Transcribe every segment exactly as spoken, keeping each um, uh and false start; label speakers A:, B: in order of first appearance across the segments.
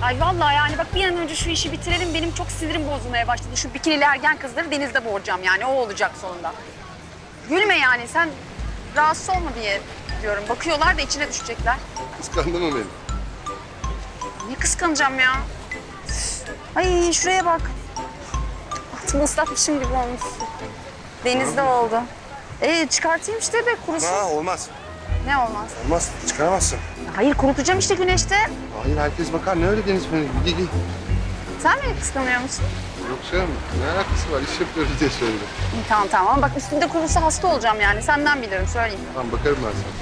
A: Ay vallahi yani bak bir an önce şu işi bitirelim. Benim çok sinirim bozulmaya başladı. Şu bikinili ergen kızları denizde boğacağım yani. O olacak sonunda. Gülme yani sen rahatsız olma diye diyorum. Bakıyorlar da içine düşecekler.
B: Kıskandın mı beni?
A: Ne kıskanacağım ya? Ay şuraya bak. Altımı ıslatmışım gibi olmuş. Denizde oldu. Ee çıkartayım işte be kurusun.
B: Ha olmaz.
A: Ne olmaz?
B: Olmaz. Çıkaramazsın.
A: Hayır kurutacağım işte güneşte.
B: Hayır herkes bakar. Ne öyle deniz feneri? Giy giy.
A: Sen beni kıskanıyor musun?
B: Yok canım. Ne alakası var? İş yapıyoruz diye söyledim.
A: İyi, tamam tamam ama bak üstünde kurusa hasta olacağım yani. Senden bilirim söyleyeyim.
B: Tamam bakarım ben sana.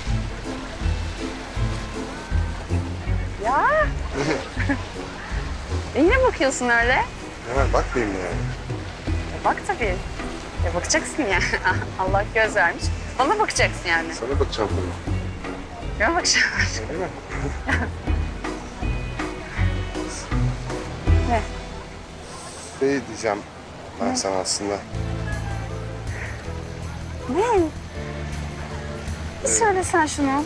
A: Ya. e yine bakıyorsun öyle.
B: Hemen bakmayayım yani.
A: E bak tabii. E bakacaksın yani. Allah göz vermiş. Bana bakacaksın yani.
B: Sana bakacağım tabii.
A: Bana bakacaksın.
B: Değil mi?
A: Ne?
B: Şey diyeceğim ben sana aslında.
A: Ne? Bir söylesen şunu.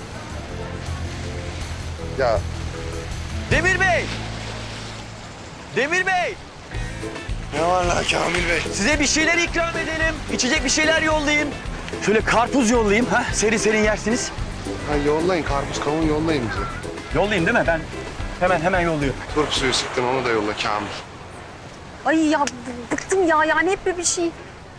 B: Ya
C: Demir Bey! Demir Bey!
B: ne var la Kamil Bey?
C: Size bir şeyler ikram edelim. İçecek bir şeyler yollayayım. Şöyle karpuz yollayayım. Ha? Serin serin yersiniz.
B: Ha yollayın. Karpuz kavun yollayın bize.
C: Yollayayım değil mi? Ben hemen hemen yolluyorum.
B: Turp suyu sıktın onu da yolla Kamil.
A: Ay ya b- bıktım ya yani hep böyle bir şey.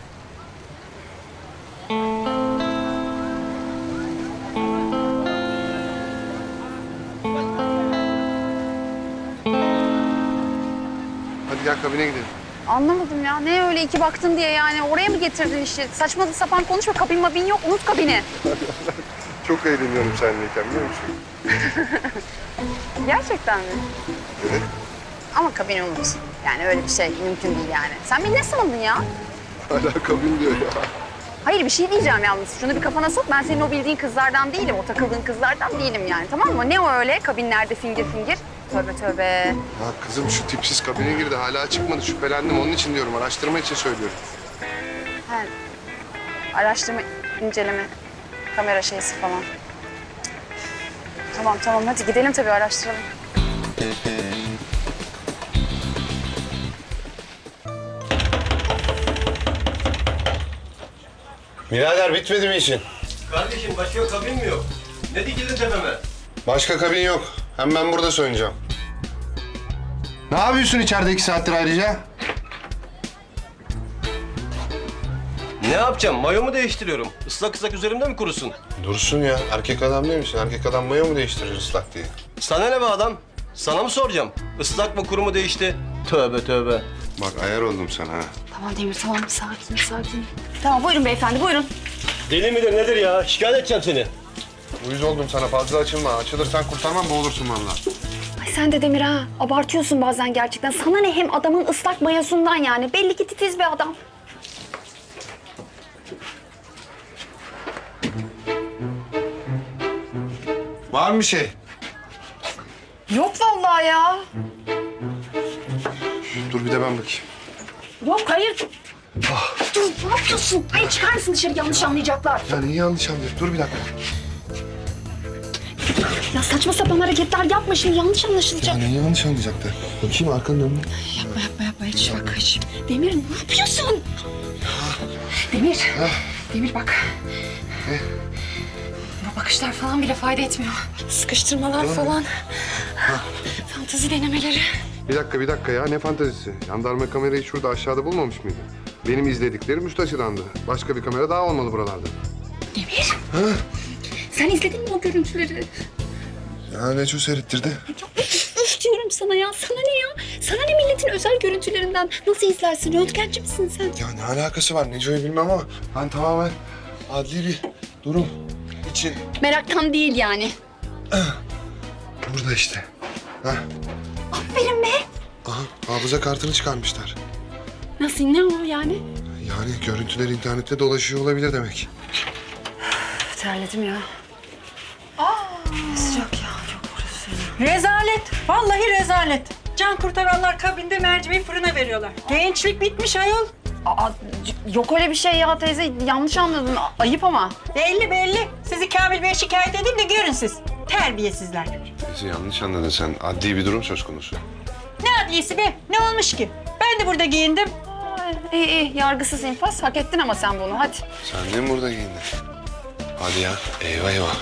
B: Hadi gel kabine gidelim.
A: Anlamadım ya. Ne öyle iki baktın diye yani oraya mı getirdin işi? Saçma sapan konuşma. Kabin mabin yok. Unut kabini.
B: Çok eğleniyorum seninleyken biliyor musun?
A: Gerçekten mi?
B: Evet.
A: Ama kabini unut. Yani öyle bir şey mümkün değil yani. Sen beni ne sandın ya?
B: Hala kabin diyor ya.
A: Hayır bir şey diyeceğim yalnız. Şunu bir kafana sok. Ben senin o bildiğin kızlardan değilim. O takıldığın kızlardan değilim yani. Tamam mı? Ne o öyle? Kabinlerde fingir fingir. Tövbe tövbe.
B: Ya kızım şu tipsiz kabine girdi hala çıkmadı şüphelendim onun için diyorum araştırma için söylüyorum.
A: He. Araştırma, inceleme, kamera şeysi falan. Cık. Tamam tamam hadi gidelim tabii araştıralım.
B: Birader bitmedi mi işin?
D: Kardeşim başka kabin mi yok? Ne dikildin tepeme?
B: Başka kabin yok. Hem ben burada soyunacağım. Ne yapıyorsun içeride iki saattir ayrıca?
D: Ne yapacağım? Mayomu değiştiriyorum. Islak ıslak üzerimde mi kurusun?
B: Dursun ya. Erkek adam değil misin? Erkek adam mayo mu değiştirir ıslak diye?
D: Sana ne be adam? Sana mı soracağım? Islak mı kuru mu değişti? Tövbe tövbe.
B: Bak ayar oldum sana ha.
A: Tamam Demir tamam sakin sakin. Tamam buyurun beyefendi buyurun.
D: Deli midir nedir ya? Şikayet edeceğim seni.
B: Uyuz oldum sana fazla açılma. Açılırsan kurtarmam boğulursun vallahi.
A: Ay sen de Demir ha abartıyorsun bazen gerçekten. Sana ne hem adamın ıslak mayosundan yani. Belli ki titiz bir adam.
B: Var mı bir şey?
A: Yok vallahi ya.
B: Dur bir de ben bakayım.
A: Yok hayır. Dur ne yapıyorsun? Hayır çıkar mısın dışarı yanlış anlayacaklar.
B: Ya neyi yanlış anlıyorsun? Dur bir dakika.
A: Ya saçma sapan hareketler yapma şimdi yanlış anlaşılacak.
B: Ya neyi yanlış anlayacaklar? Bakayım arkanı dön.
A: Yapma yapma yapma hiç bak hiç. Demir ne yapıyorsun? Demir. Demir bak.
B: Ne?
A: Bu bakışlar falan bile fayda etmiyor. Sıkıştırmalar falan. Fantezi denemeleri.
B: Bir dakika bir dakika ya ne fantezisi? Jandarma kamerayı şurada aşağıda bulmamış mıydı? Benim izlediklerim üst açıdandı. Başka bir kamera daha olmalı buralarda.
A: Demir. Sen izledin mi o görüntüleri?
B: Ya Neco seyrettirdi.
A: Ya üf diyorum sana ya. Sana ne ya? Sana ne milletin özel görüntülerinden? Nasıl izlersin? Röntgenci misin sen?
B: Ya ne alakası var Neco'yu bilmem ama ben tamamen adli bir durum için
A: Meraktan değil yani.
B: burada işte. Hah.
A: Aferin be.
B: Aha hafıza kartını çıkarmışlar.
A: Nasıl ne o yani?
B: Yani görüntüler internette dolaşıyor olabilir demek.
A: Terledim ya. Aa. Sıcak ya çok burası.
E: Rezalet. Vallahi rezalet. Can kurtaranlar kabinde mercimeği fırına veriyorlar. Gençlik bitmiş ayol.
A: Aa, c- yok öyle bir şey ya teyze. Yanlış anladın. A- Ayıp ama.
E: Belli belli. Sizi Kamil Bey'e şikayet edeyim de görün siz. Terbiyesizler.
B: Bizi yanlış anladın sen. Adli bir durum söz konusu.
E: Ne adliyesi be? Ne olmuş ki? Ben de burada giyindim.
A: İyi iyi yargısız infaz. Hak ettin ama sen bunu hadi.
B: Sen de mi burada giyindin? Hadi ya. Eyvah eyvah.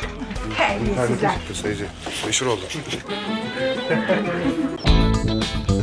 B: İnternete çıktı sayıcı. Meşhur oldu.